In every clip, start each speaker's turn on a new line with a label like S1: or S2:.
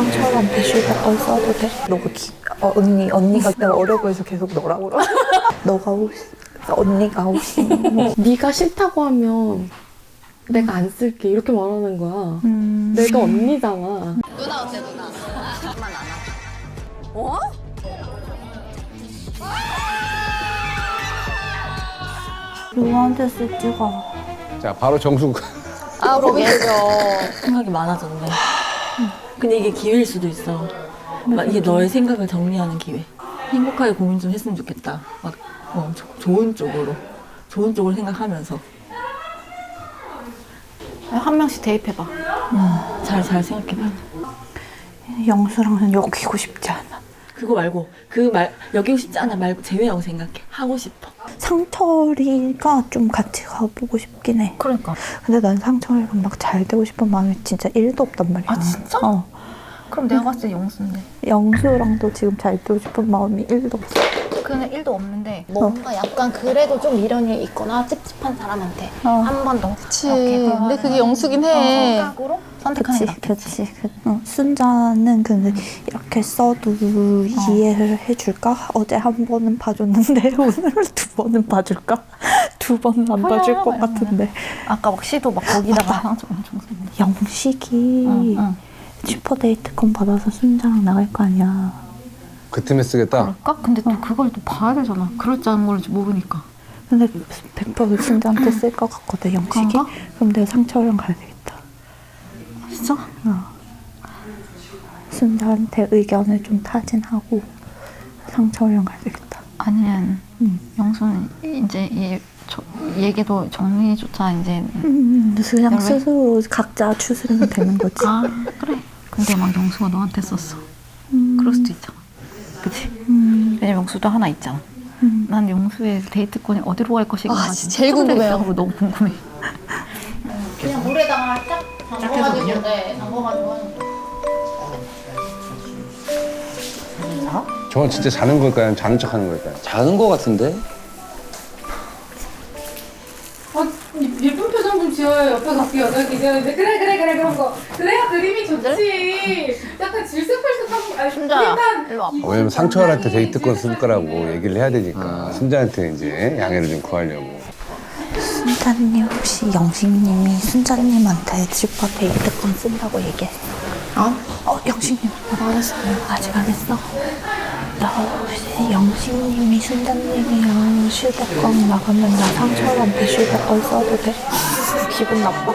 S1: 상처한테 쉴드건 써도 돼? 너가 언니가 내가 어려 보여서 계속 너라고 그러. 너가 혹시 언니가 혹시
S2: 네가 싫다고 하면 내가 안 쓸게 이렇게 말하는 거야. 내가 언니잖아.
S3: 누나 어때 누나? 엄마 안 하죠. 어?
S1: 누구한테 쓸지가
S4: 자, 바로 정숙.
S3: 아 고민되죠.
S5: 생각이 많아졌네. 근데 이게 기회일 수도 있어. 막 이게 너의 생각을 정리하는 기회. 행복하게 고민 좀 했으면 좋겠다. 막 좋은 쪽으로 생각하면서
S6: 한 명씩 대입해봐.
S5: 잘 생각해봐.
S1: 영수랑은 엮이고 싶지 않아.
S5: 그거 말고 여기고 싶지 않아 말고 제외하고 생각해. 하고 싶어.
S1: 상철이가 좀 같이 가보고 싶긴 해.
S6: 그러니까.
S1: 근데 난 상철이랑 막 잘 되고 싶은 마음이 진짜 1도 없단 말이야.
S6: 아 진짜?
S1: 어.
S6: 그럼 내가 봤을 때 영수인데.
S1: 영수랑도 지금 잘 되고 싶은 마음이 1도 없어.
S6: 그는 1도 없는데 뭔가 약간 그래도 좀 미련이 있거나 찝찝한 사람한테
S1: 어.
S6: 한 번 더.
S7: 그치. 근데 그게 영수긴 해.
S6: 성격으로 선택하는 게
S1: 그치. 순자는 근데 이렇게 써도 이해를 해줄까? 어제 한 번은 봐줬는데 오늘 두 번은 봐줄까? 두 번은 안 봐줄 것 같은데.
S6: 아까 막 시도 막 거기다가 상처 엄청 썼는데.
S1: 영식이 슈퍼데이트권 받아서 순자랑 나갈 거 아니야.
S4: 그 틈에 쓰겠다.
S7: 그럴까? 근데 또 그걸 또 봐야 되잖아. 그럴지 안 그럴지 모르니까.
S1: 근데 100% 순자한테 쓸 것 같거든, 영식이.
S7: 그런가?
S1: 그럼 내가 상철이랑 가야 되겠다.
S7: 진짜?
S1: 순자한테 의견을 좀 타진하고 상철이랑 가야 되겠다.
S7: 아니면 영수는 이제 얘기도 정리조차 이제
S1: 그냥
S7: 왜?
S1: 스스로 각자 추스르면 되는 거지.
S7: 아 그래. 근데 막 영수가 너한테 썼어. 그럴 수도 있잖아. 그치? 왜냐면 영수도 하나 있잖아. 난 영수의 데이트권이 어디로 갈 것인가
S3: 제일 궁금해요.
S7: 너무 궁금해.
S6: 그냥 물에다가 딱 담궈가지고 담궈가지고 하는 거.
S4: 저건 진짜 자는 걸까요? 자는 척 하는 걸까요?
S8: 자는 거 같은데?
S2: 예쁜 표정 좀 지어요. 옆에 갖고 여자 기자인데 그래 그런 거. 그래야 그림이 좋지. 약간 질색팔색하고 아니
S6: 순자 일로 와봐.
S4: 왜냐면 상철한테 데이트권 쓸 거라고 얘기를 해야 되니까 순자한테 이제 양해를 좀 구하려고.
S1: 순자님 혹시 영식님이 순자님한테 슈퍼데이트권 쓴다고 얘기했어? 영식님 안 했어. 아직 안 했어? 나 혹시 영식님이 순자님이랑 슈퍼권 나가면 나 상철한테 슈퍼권 써도 돼? 기분 나빠?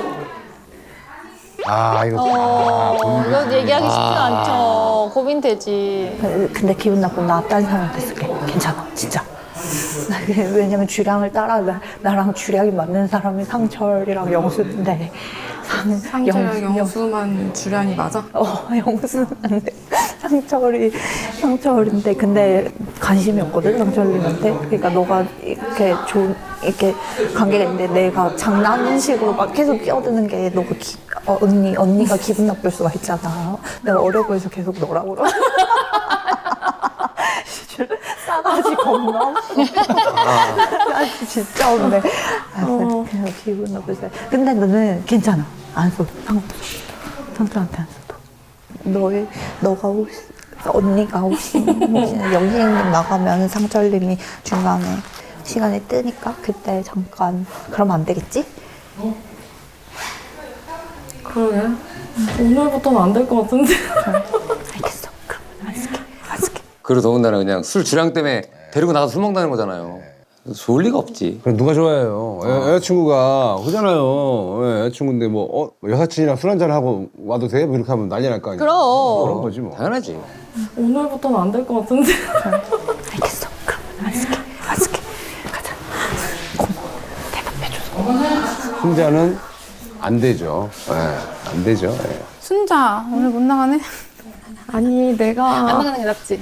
S4: 아, 이거.
S3: 이거 얘기하기 쉽지 않죠. 고민되지.
S1: 근데 기분 나쁘면 나 다른 사람한테 쓸게. 괜찮아, 진짜. 왜냐면 주량을 따라 나랑 주량이 맞는 사람이 상철이랑 영수인데
S2: 상철 영수만 주량이 맞아?
S1: 영수는 안 돼. 상철인데 근데 관심이 없거든 상철님한테. 그러니까 너가 이렇게 관계가 있는데 내가 장난식으로 막 계속 끼어드는 게 너가 언니가 기분 나쁠 수가 있잖아. 내가 어려 보여서 계속 너라고 그러. 싸가지 겁나 없어. 싸가지 진짜 없네. 그냥 기분 나쁘지. 근데 너는 괜찮아. 안 써. 상처한테 안 써도. 너가 혹시 언니가 혹시 영희님 나가면 상철님이 중간에 시간이 뜨니까 그때 잠깐 그러면 안 되겠지?
S2: 그러게. 오늘부터는 안 될 것 같은데.
S1: 알겠어. 그럼 안 쓸게.
S8: 그리고 더군다나 그냥 술 주량 때문에 데리고 나가서 술 먹는다는 거잖아요. 좋을 리가 없지.
S4: 그럼 누가 좋아해요? 여자친구가 그잖아요. 여자친구인데 뭐 여사친이랑 술 한잔 하고 와도 돼? 뭐 이렇게 하면 난리 날 거 아니야. 그런 거지 뭐.
S8: 당연하지.
S2: 오늘부터는 안 될 것 같은데.
S1: 알겠어. 그럼 안 쓸게. 가자. 고마워. 대답해줘서.
S4: 순자는 안 되죠. 안 되죠.
S7: 순자 오늘 못 나가네.
S2: 아니
S3: 안
S2: 내가
S3: 나가는 게 낫지.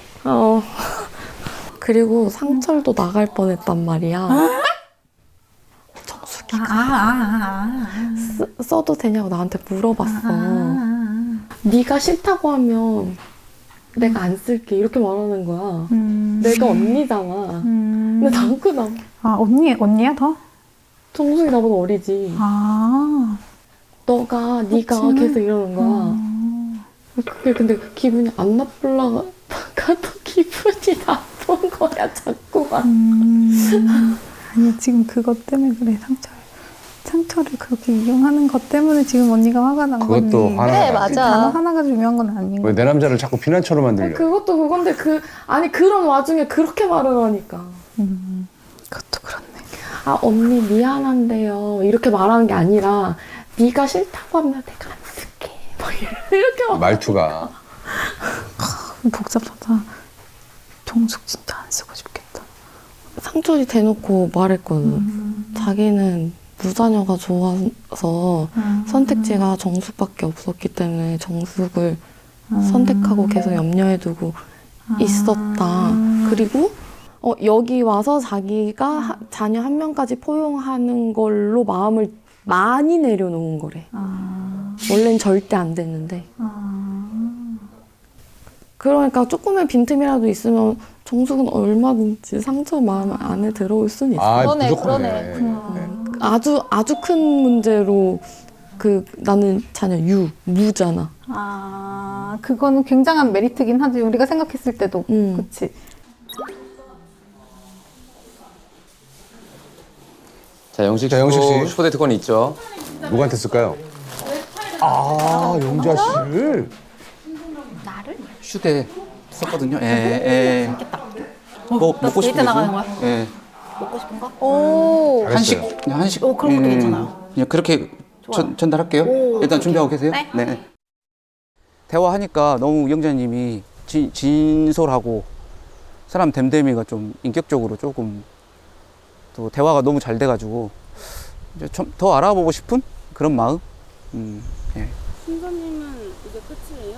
S2: 그리고 상철도 나갈 뻔했단 말이야. 정수기가 써도 되냐고 나한테 물어봤어. 네가 싫다고 하면 내가 안 쓸게 이렇게 말하는 거야. 내가 언니잖아. 근데 난 그냥
S7: 언니야 더?
S2: 정숙이 나보다 어리지. 네가 계속 이러는 거야. 그게 근데 기분이 안 나쁠라가도 기분이 나쁜 거야 자꾸만.
S1: 아니 지금 그것 때문에 그래. 상처를 그렇게 이용하는 것 때문에 지금 언니가 화가 난 거니.
S4: 그것도 화나.
S6: 그래,
S1: 그
S6: 맞아.
S1: 단어 하나가 중요한 건 아닌
S4: 왜
S1: 거야.
S4: 내 남자를 자꾸 비난처럼 만들려?
S2: 그것도 그건데 아니 그런 와중에 그렇게 말을 하니까.
S1: 그것도 그렇네.
S2: 아 언니 미안한데요 이렇게 말하는 게 아니라 네가 싫다고 하면 내가 안 쓸게 막 이렇게 막.
S4: 말투가.
S1: 복잡하다. 정숙 진짜 안 쓰고 싶겠다.
S2: 상철이 대놓고 말했거든. 자기는 무자녀가 좋아서 선택지가 정숙밖에 없었기 때문에 정숙을 선택하고 계속 염려해 두고 있었다. 그리고 여기 와서 자기가 자녀 한 명까지 포용하는 걸로 마음을 많이 내려놓은 거래. 원래는 절대 안 됐는데. 그러니까 조금의 빈틈이라도 있으면 정숙은 얼마든지 상처 마음 안에 들어올 수는 있어.
S4: 아,
S6: 그러네,
S4: 무조건이네.
S6: 그러네.
S2: 아주 큰 문제로 나는 자녀 무잖아.
S1: 그거는 굉장한 메리트긴 하지. 우리가 생각했을 때도. 그치.
S8: 자, 영식
S4: 자, 영식 씨.
S8: 슈퍼데이트권이 있죠.
S4: 누구한테 쓸까요? 아, 영자 씨를.
S9: 휴대 썼거든요. 예. 뭐 먹고 싶은
S6: 데이트 나가는 거야?
S9: 예.
S6: 먹고 싶은 거? 오.
S4: 잘했어요.
S9: 그냥 한식.
S6: 그런 것도 괜찮아요.
S9: 그냥 그렇게 전달할게요. 일단 준비하고 계세요. 네. 대화하니까 너무 영자님이 진솔하고 사람 됨됨이가 좀 인격적으로 조금 또 대화가 너무 잘 돼가지고 이제 좀 더 알아보고 싶은 그런 마음. 예.
S2: 신사님은 이제 끝이에요?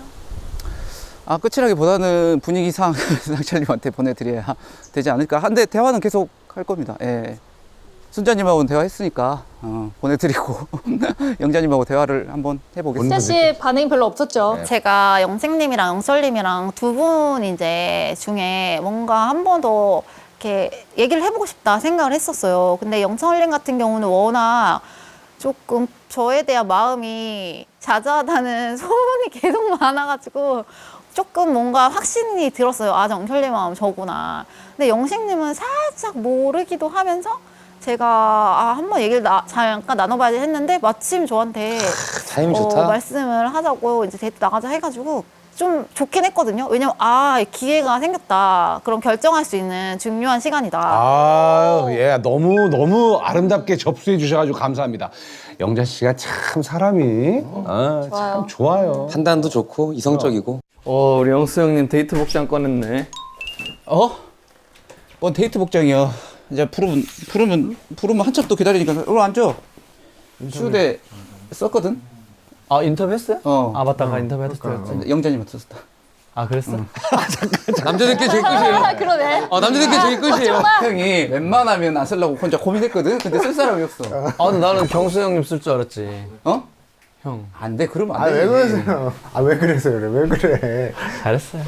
S9: 끝이라기보다는 분위기상 상철님한테 보내드려야 되지 않을까. 한데 대화는 계속 할 겁니다. 예. 순자님하고는 대화했으니까 보내드리고 영자님하고 대화를 한번 해보겠습니다.
S6: 진짜 씨 반응이 별로 없었죠.
S4: 네.
S6: 제가 영생님이랑 영설님이랑 두 분 이제 중에 뭔가 한 번 더 이렇게 얘기를 해보고 싶다 생각을 했었어요. 근데 영철님 같은 경우는 워낙 조금 저에 대한 마음이 자자하다는 소문이 계속 많아가지고 조금 뭔가 확신이 들었어요. 아, 영철님 마음 저구나. 근데 영식님은 살짝 모르기도 하면서 제가 한번 얘기를 잠깐 나눠봐야지 했는데 마침 저한테
S8: 타임 좋다.
S6: 말씀을 하자고 이제 데이트 나가자 해가지고 좀 좋긴 했거든요. 왜냐면 기회가 생겼다. 그럼 결정할 수 있는 중요한 시간이다.
S4: 예, 너무 아름답게 접수해 주셔가지고 감사합니다. 영자 씨가 참 사람이 참 좋아요.
S8: 판단도 좋고 이성적이고.
S10: 우리 영수 형님 데이트 복장 꺼냈네.
S9: 뭔 데이트 복장이야. 이제 부르면 한참 또 기다리니까 앉아. 휴대 썼거든.
S10: 인터뷰 했어요? 맞다. 인터뷰 했었죠.
S9: 영자님한테 썼다.
S10: 그랬어?
S8: 남자들끼리 제일 끝이에요.
S6: 그러네.
S8: 남자들끼리 제일 끝이에요.
S9: 형이 웬만하면 안 쓰려고 혼자 고민했거든. 근데 쓸 사람이 없어.
S10: 근데 나는 경수 형님 쓸 줄 알았지. 형.
S9: 안 돼. 그러면 안 돼.
S11: 왜 그러세요? 왜 그래서 그래? 왜 그래?
S10: 잘했어요.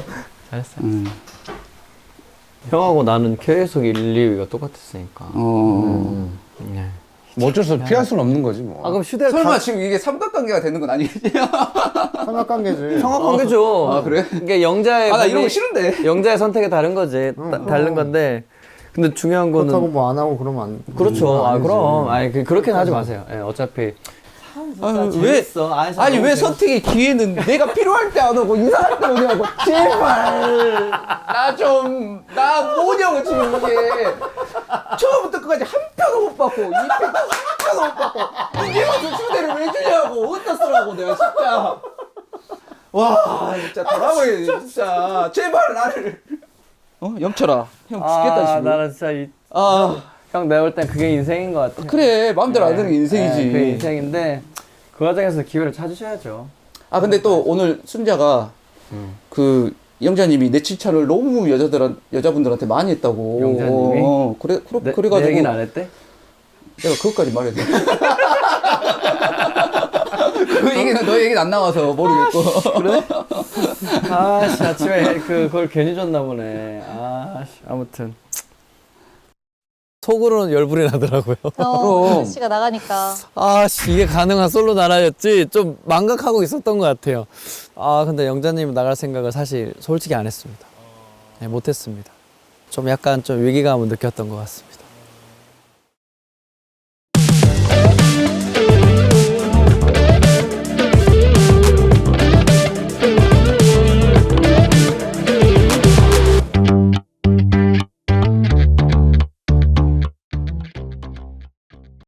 S10: 형하고 나는 계속 1, 2위가 똑같았으니까. 네.
S4: 뭐 어쩔 수 없어. 피할 수는 없는 거지 뭐.
S10: 그럼 휴대
S9: 설마 지금 이게 삼각관계가 되는 건 아니겠지?
S11: 삼각관계지.
S10: 성악관계죠.
S9: 그래?
S10: 이게 영자의
S9: 나 이런 거 싫은데.
S10: 영자의 선택이 다른 거지. 다른 건데. 근데 중요한 거는
S11: 그렇다고 뭐 안 하고 그러면 안.
S10: 그렇죠.
S11: 아니지.
S10: 그럼 그렇게는 하지 마세요. 어차피
S9: 왜 선택의 기회는 내가 필요할 때 안 오고 이상할 때 오냐고. 제발. 나 뭐냐고 지금 이게. 처음부터 끝까지 한 편도 못 받고 2편도 한 편도 못 받고 이게 무슨 휴대를 왜 주냐고. 어디다 쓰라고 내가 진짜. 와 진짜 돌아버리네 진짜. 제발 나를. 영철아 형 죽겠다 지금.
S10: 나는 진짜 형 내가 볼 땐 그게 인생인 것 같아.
S9: 그래 마음대로 안 되는 게 인생이지.
S10: 그게 인생인데 그 과정에서 기회를 찾으셔야죠.
S9: 근데 또 오늘 순자가 그 영자님이 내 칭찬을 너무 여자분들한테 많이 했다고.
S10: 영자님이?
S9: 그래가지고
S10: 내 얘기는 안 했대?
S9: 내가 그것까지 말해야 돼. 그 얘기는 너 얘기는 안 나와서 모르겠고.
S10: 그래? 아침에 그걸 괜히 줬나 보네. 아무튼 속으로는 열불이 나더라고요.
S8: 그럼.
S7: 씨가 나가니까.
S10: 아씨 이게 가능한 솔로 나라였지 좀 망각하고 있었던 것 같아요. 아 근데 영자님 나갈 생각을 사실 솔직히 안 했습니다. 네, 못했습니다. 좀 약간 좀 위기감을 느꼈던 것 같습니다.